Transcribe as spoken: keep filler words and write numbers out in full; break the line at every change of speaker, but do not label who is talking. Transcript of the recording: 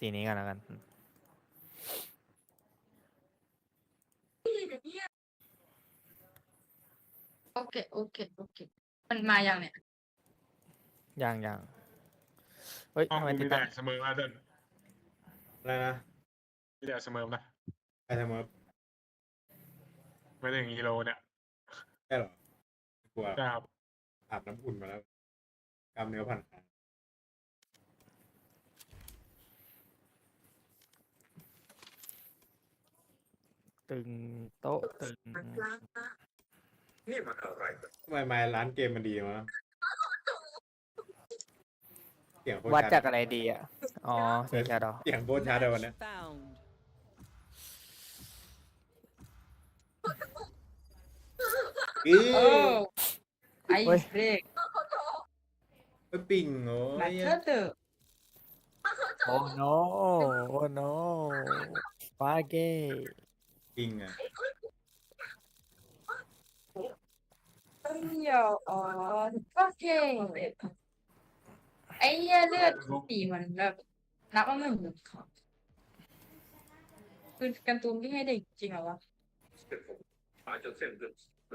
สีนี้กันแล้วกัน
โอเคโอเคโอเคมันมาอย่างเนี้ย
ยังยังเฮ้ย
ห้อง
ทำไม
กู
ติ
มี
ดตั้
แต่
ง
เสมอมาเดิน
อะไรนะ
มีแต่เสมอนะ
ใครทำมา
ไม่ถึงฮีโร่เนี่ย
ใช่เหรอกลัว
ครับ
อาบน้ำอุ่นมาแล้วกล้ามเนื้อผ่อนคลาย
ตึงโต๊ะตึง
นี่มันอะไรกัน
ทำไมมาร้านเกมมันดีวะเสียงโคตร
วัด
ชัด
จากอะไรดีอ่ะ อ๋อเสียงชัดเหรอ
เสียงโคตรชัดเลยวันเนี้ย
Found.
อี
โอ้ไอ
เฮ้ย
เบรก
ไปปิ่งโอ้
มาย เธอเตอร์
โอ้โนโอ้โนฟาเก้
ปิ่งอ่ะ
เอ้ยอ๋อก็เก่งไอ้เหี้ยเลือดสีเหมือนแบบนับว่ามันเหมือนเขาคือการ์ตูนที่ให้เด็กจริงเหรอวะ
เส้นผมอาจจะเส้นเลือด